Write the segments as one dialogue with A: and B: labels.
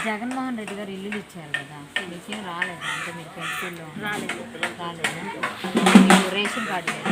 A: జగన్మోహన్ రెడ్డి గారు ఇల్లులు ఇచ్చారు కదా, మీకేం రాలేదు? అంటే మీరు పెన్షన్లో రాలేదు. మీకు రేషన్ కార్డు లేదు,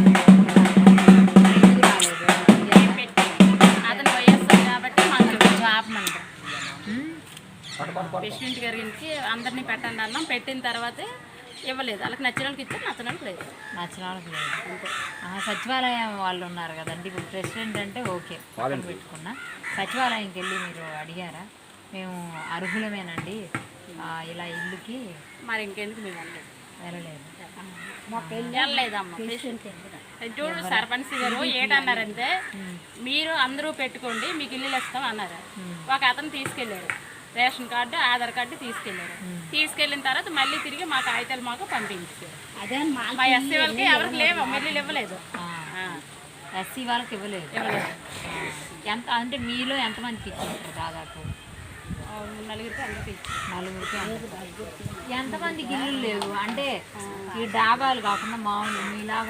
A: ఎందుకు రాలేదు?
B: అతను వైఎస్ఆర్ కాబట్టి మాకు
A: జాబ్ మంట
B: ప్రెసిడెంట్ గారికి అందరినీ పెట్టండి అన్నాం. పెట్టిన తర్వాతే ఇవ్వలేదు. వాళ్ళకి నచ్చిన వాళ్ళకి ఇచ్చారు, నచ్చిన వాళ్ళకి లేదు.
A: నచ్చిన వాళ్ళకి లేదు. సచివాలయం వాళ్ళు ఉన్నారు కదండి, ఇప్పుడు ప్రెసిడెంట్ అంటే ఓకే పెట్టుకున్నా, సచివాలయంకి వెళ్ళి మీరు అడిగారా మేము అర్హులమేనండి ఇలా ఇల్లుకి?
B: మరి ఇంకెందుకు మేము
A: వెళ్ళలేదు.
B: వెళ్ళలేదమ్మా. చూడు సర్పంచ్ గారు ఏంటన్నారంటే, మీరు అందరూ పెట్టుకోండి మీకు ఇల్లులు ఇస్తాం అన్నారు. ఒక అతను తీసుకెళ్ళారు, రేషన్ కార్డు ఆధార్ కార్డు తీసుకెళ్ళారు. తీసుకెళ్ళిన తర్వాత మళ్ళీ తిరిగి మా కాగితాలు మాకు పంపించారు. అదే మా ఎస్సీ వాళ్ళకి ఎవరికి లేవు, మళ్ళీ ఇవ్వలేదు.
A: ఎస్సీ వాళ్ళకి ఇవ్వలేదు. ఎంత అంటే మీలో ఎంతమందికి ఇచ్చారు? దాదాపు
B: నలుగురికి అందరికి
A: ఎంతమందికి ఇల్లు లేవు? అంటే ఈ డాబాలు కాకుండా మామూలు మీలాగా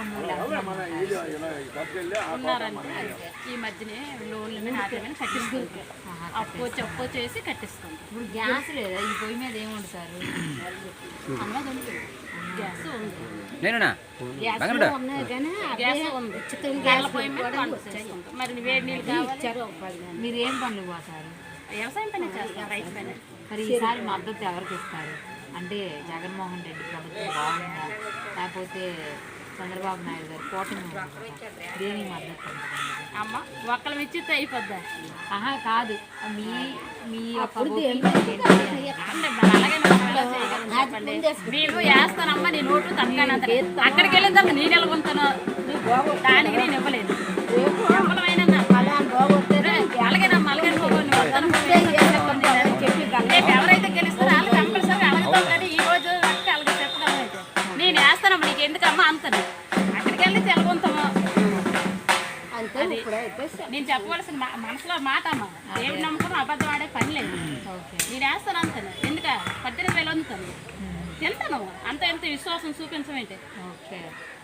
B: ఉన్నారంటే ఈ మధ్యనే లోన్ల మీద ఆటల మీద కట్టిస్తుంది. అప్పు చేసి కట్టిస్తుంది.
A: ఇప్పుడు గ్యాస్ లేదా? ఈ పొయ్యి మీద ఏమి వండుతారు?
B: అన్నది ఉంది, గ్యాస్ ఉంది, గ్యాస్ ఉంది. గ్యాస్ పొయ్యి మీద వంట చేసుకుంటాం. మరి వేడి నీళ్ళు కావాలి.
A: మీరు ఏం పనులు పోతారు?
B: వ్యవసాయం పని చేస్తారు, రైతు పని.
A: మరి ఈసారి మద్దతు ఎవరికి ఇస్తారు? అంటే జగన్మోహన్ రెడ్డి ప్రభుత్వం బాగుందా, లేకపోతే చంద్రబాబు నాయుడు గారు కూటమి దేని మద్దతు?
B: అమ్మ ఒక్కళ్ళ ఇచ్చితే అయిపోద్దా?
A: కాదు, మీ మీ యొక్క
B: నేను వేస్తానమ్మా, నీ నోటు తనకానంత అక్కడికి వెళ్ళిన తర్వాత నేను ఎలాగుంటాను, దానికి నేను ఇవ్వలేదు. అలాగేనమ్మా, అలాగే రేపు ఎవరైతే గెలుస్తారో వాళ్ళు కంపల్సరీ అడుగుతాం. కానీ ఈ రోజు అలాగే చెప్పగలనైతే నేను వేస్తానమ్మా, నీకు ఎందుకమ్మా అంతను అక్కడికి వెళ్ళి తెలగొంతాము. నేను చెప్పవలసిన మనసులో మాట అమ్మా, దేవుడు నమ్ముకుని అబద్ధం ఆడే పని లేదు. నేను వేస్తాను అంతాను, ఎందుక 18,000 అందుతాను, తింటాను అంత ఎంత విశ్వాసం చూపించమేంటి.
A: ఓకే.